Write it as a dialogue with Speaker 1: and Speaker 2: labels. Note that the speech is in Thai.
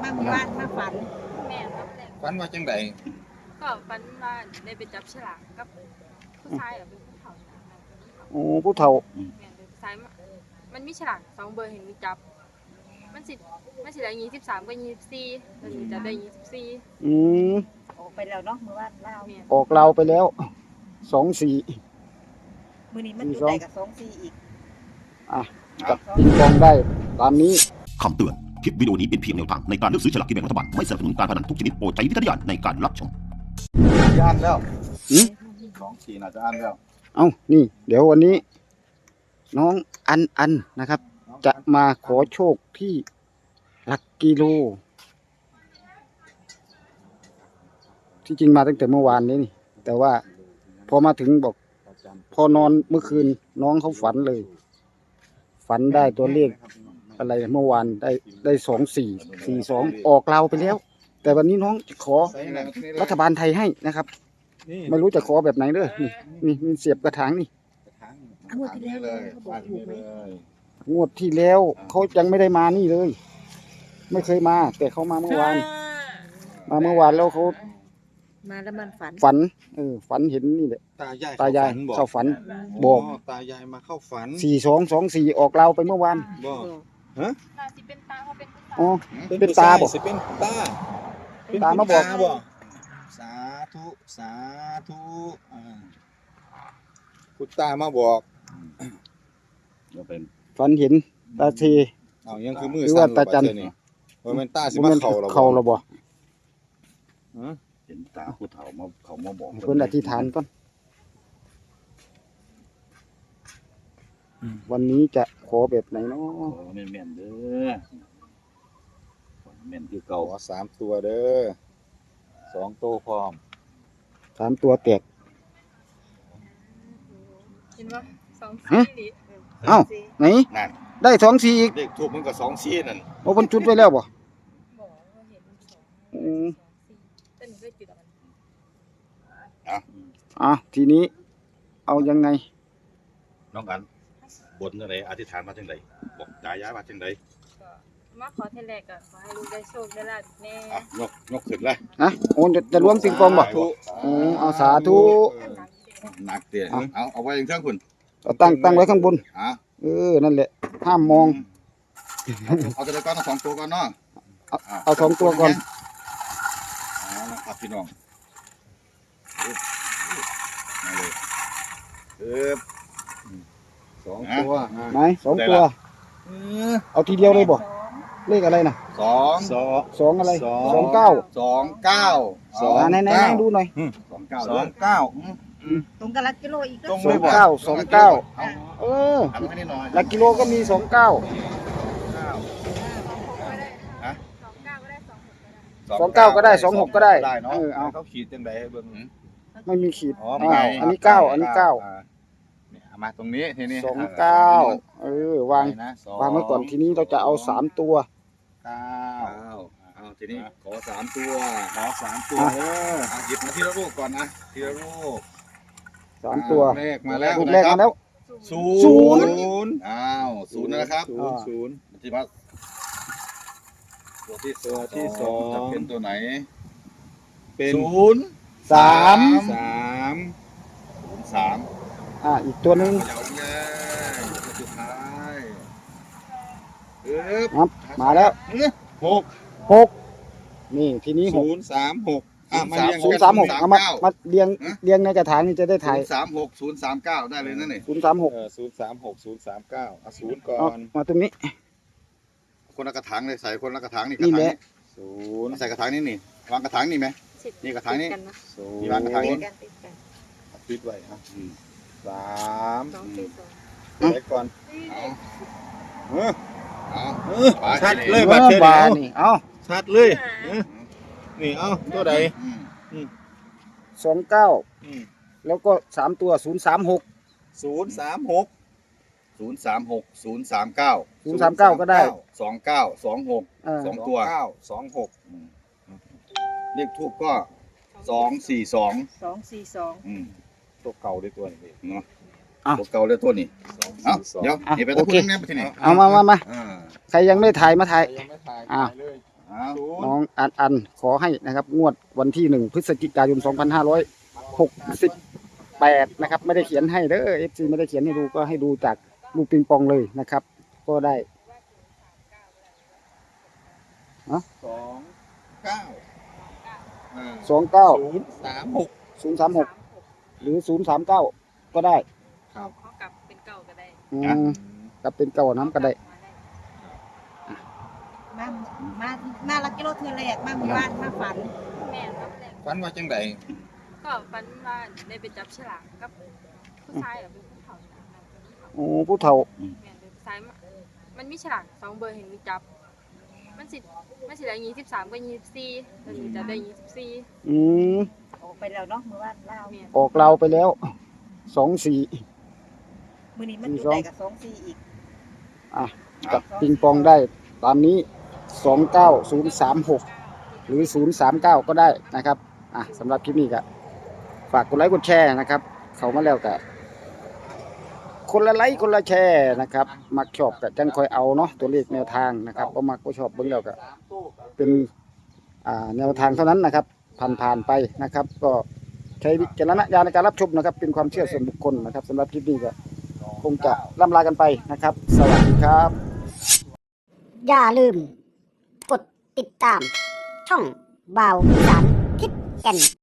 Speaker 1: มาหมู่บ้านมาฝัน
Speaker 2: แม่ครับแม่
Speaker 3: ฝันว่าจังได
Speaker 2: ก็ฝันว่าได้ไปจับฉลากกับผู้ชายหรือเป็นผู้เฒ่า
Speaker 4: โอ้ผู้เฒ่า
Speaker 2: แม่เป็นผู้ชายมันมีฉลาก2เบอร์เห็นมีจับมันสิได้23กับ24แล้วสิจะได้24
Speaker 4: อืม
Speaker 1: ออกไปแล้วเนาะมื้อวานลาว
Speaker 2: แม่
Speaker 4: ออกเราไปแล้ว24
Speaker 1: มื้อนี้มันอยู่ได้กับ24อีก
Speaker 4: อ่ะจับปิงปองได้ตามนี้
Speaker 5: คำเตือน คลิปวิดีโอนี้เป็นเพียงแนวทางในการเลือกซื้อฉลากกินแบ่งรัฐบาล ไม่สนับสนุนการพนันทุกชนิดโปรดใช้วิจารณญาณในการรับชม
Speaker 3: อ่านแล้ว
Speaker 4: 24
Speaker 3: น่าจะอ่านแล้ว
Speaker 4: เอ้านี่เดี๋ยววันนี้ น้องอันนะครับ จะมาขอโชคที่หลักกิโลที่จริงมาตั้งแต่เมื่อวานนี้นี่แต่ว่าพอมาถึงบอกพอนอนเมื่อคืนน้องเขาฝันเลย ฝันได้ตัวเลขอะไรเมื่อวานได้2442ออกเราไปแล้ว แต่วันนี้น้องจะขอรัฐบาลไทยให้นะครับ ไม่รู้จะขอแบบไหนเด้อนี่เสียบกระถางนี่
Speaker 1: งวดที่แล้วเขาบอกถูกไหม
Speaker 4: งวดที่แล้วเขายังไม่ได้มานี่เลย ไม่เคยมา แต่เขามาเมื่อวานแล้วเขา
Speaker 1: มาแล้วมันฝัน
Speaker 4: ฝันเห็นนี่แหละ
Speaker 3: ตายาย
Speaker 4: เข้าฝันบอก
Speaker 3: ตายายมาเข้าฝัน
Speaker 4: 4224ออกเราไปเมื่อวาน
Speaker 3: บอก
Speaker 2: น่าสิเป็นตาเขาเป็นผู้ชาย
Speaker 4: อ๋อเป็นตาบอก
Speaker 3: สิเป็นตา
Speaker 4: มาบอก
Speaker 3: สาธุคุณตามาบอกเป็น
Speaker 4: ฝันเห็นตาเท
Speaker 3: เอายังคือมือ
Speaker 4: หรือว่าตาจัน
Speaker 3: นี่ว่ามันตาสิมาเข้าหรอ
Speaker 4: เข้าแล้วบ่
Speaker 3: เห็นตาผู้เฒ่ามาเขามาบอก
Speaker 4: เพิ่นอธิษฐานก่อนวันนี้จะขอแบบไหนเนาะ
Speaker 3: แม่นเด้อแม่นคือเก่า3ตัวเด้อ2ตัวพร้อม
Speaker 4: 3ตัวแตก
Speaker 2: เห็นบ่24ดิ
Speaker 4: เอ้าไหน
Speaker 3: นั่น
Speaker 4: ได้24อีก
Speaker 3: เลขทูบมันก็2ซี่นั่น
Speaker 4: โอ้เพิ่นจุดไว้แล้วบ่
Speaker 2: บอกว่าเห็น2
Speaker 4: อืม
Speaker 2: แต่หนูได้จุดมัน
Speaker 4: ทีนี้เอายังไง
Speaker 6: น้องอันบนอะไรอธิษฐานมาจังไดบอกตายายมาจังได
Speaker 2: ก็มาขอเทแรกก็ขอให้ลูกได้โชคได้ลาภแน่
Speaker 6: ยกขึ้นเลย
Speaker 4: โอ้จะรวมปิงปองบ่เอาสาธุ
Speaker 6: หนักเตี้ยเอาไว้อย่างเท่าคุณ
Speaker 4: เอาตั้งไว้ข้างบนนั่นแหละห้ามมอง
Speaker 6: เอาตัวก้อนเอา2ตัวก่อนเนาะ
Speaker 4: เอา2ตัวก่อน
Speaker 6: เอาละครับพี่น้องมาเลย
Speaker 3: 2ตัว
Speaker 4: ไหน2ตัวเอาทีเดียวเลยบ่เลขอะไรน่ะ2อะไร29ไหนดูหน่อย
Speaker 1: ตรงกับหลักกิโลอีก
Speaker 3: ตรงเลยบ่
Speaker 4: 29หลักกิโลก็มี29
Speaker 2: 29ก็ได้26ก็ได้
Speaker 4: 29ก็ได้26ก็ได้
Speaker 3: เนาะ
Speaker 4: เอา
Speaker 3: เขาขีดจังไดให้เบิ่ง
Speaker 4: ไม่มีขีด
Speaker 3: อ๋อ
Speaker 4: อันนี้9
Speaker 3: เนี่ยมาตรงนี้ทีนี้
Speaker 4: 29วางไว้ก่อนทีนี้เราจะเอา3ตัว
Speaker 6: เอาทีนี้ขอ3ตัว
Speaker 3: ขอ3ตัวเด้อ
Speaker 6: หยิบมาทีละลูกก่อนนะทีละลูก
Speaker 4: 3ตัว
Speaker 3: เลขมาแล้ว
Speaker 4: รูปแรกมาแล้ว
Speaker 3: 0
Speaker 6: อ้าว0นะครับ
Speaker 3: 0
Speaker 6: ที่มาตัวที่สองจะเป็นตัวไหน
Speaker 3: เป็น
Speaker 4: 3
Speaker 6: 3
Speaker 4: อีกตัวหนึง
Speaker 6: ยาวเลยตัวสุดท้าย
Speaker 4: ครับมาแล้ว 6นี่ทีนี้6
Speaker 3: 036มาเรียง
Speaker 4: 036เอามาเรียงในกระถางนี่จะได้ถ่าย
Speaker 6: 036 039ได้เลยนั่นนี่
Speaker 4: 036
Speaker 3: 039เอา0ก่อน
Speaker 4: มาตรงนี้
Speaker 6: คนละกระถางเลยใส่คนละกระถางนี่ก
Speaker 4: นี่
Speaker 6: ระถาง
Speaker 4: แหละ
Speaker 6: นี่ใส่กระถางนี่วางกระถางนี่ไหม นี่กระถางนี่
Speaker 3: 0
Speaker 6: มีวางกระถางนี้
Speaker 3: ปิดไว้ครับ3
Speaker 2: 2
Speaker 3: ไปก่อน
Speaker 6: เอา
Speaker 3: ชัดเลย
Speaker 4: บา
Speaker 3: บัดเท
Speaker 4: นี่เอา
Speaker 3: ชัดเลยนี่เอาตัวใด
Speaker 4: 29แล้วก็3ตัว036
Speaker 3: 036
Speaker 6: 036 039
Speaker 4: 039ก็ได้
Speaker 6: 29 26 2ตัว
Speaker 3: 26
Speaker 6: เลขทูบก็242
Speaker 1: 242
Speaker 3: ตัวเก่าด้วยตัวนี้
Speaker 6: เนาะตัวเก่าเลยตัวนี้เอาเดี๋ยวนี่ไปตะพูดแน่ไปที่นี่
Speaker 4: เอามาใครยังไม่ถ่ายมาถ่าย
Speaker 3: ยังไม่ถ่าย
Speaker 4: อ้าว
Speaker 3: เลย
Speaker 6: อ
Speaker 4: น้องอันขอให้นะครับงวดวันที่1 พฤศจิกายน 2568 นะครับไม่ได้เขียนให้เด้อ FC ไม่ได้เขียนให้ดูก็ให้ดูจากลูกปิงปองเลยนะครับ ก็ได้
Speaker 3: 29
Speaker 4: 29
Speaker 3: 036
Speaker 4: 036 หรือ 039 ก็ได้
Speaker 2: เขากลับเป็นเก่าก็ได้
Speaker 4: กับเป็นเก่าน้ำก็ได้
Speaker 1: มามาลักกิโลเทือแรกมาหมู่บ้านมาฝัน
Speaker 2: แม่ครับแรก
Speaker 3: ฝันว่าจังได
Speaker 2: ก็ฝันว่าได้ไปจับฉลากกับผู้ชายหรือเป็นผู้เฒ่าฉลากนั่นเป็นผู้เฒ่า
Speaker 4: โอ้ผู้เฒ่า
Speaker 2: แม่นเป็นผู้ชายมันมีฉลาก2 เบอร์เห็นมีจับ มันสิได้23กับ24แล้วหนูจะได้24
Speaker 4: อืม
Speaker 1: ออกไปแล้วเนาะหมู่บ้านลาว
Speaker 2: แม่น
Speaker 4: ออกเราไปแล้ว24
Speaker 1: มื้อนี้มันจุดใดกับ24อีก
Speaker 4: อ่ะกับปิงปองได้ตามนี้ 29036 หรือ 039 ก็ได้นะครับอ่ะสำหรับคลิปนี้ก็ฝากกดไลค์กดแชร์นะครับ เข้ามาแล้วก็คนละไลค์คนละแชร์นะครับมักชอบก็จังคอยเอาเนาะตัวเลขแนวทางนะครับบ่มักบ่ชอบเบิ่งแล้วก็เป็นแนวทางเท่านั้นนะครับผ่านไปนะครับ ก็ใช้วิจารณญาณในการรับชมนะครับ เป็นความเชื่อส่วนบุคคลนะครับสำหรับคลิปนี้ก็คงจะล่ำลากันไปนะครับ สวัสดีครับ
Speaker 7: อย่าลืม กดติดตาม ช่องบ่าวอีสานทิศแก่น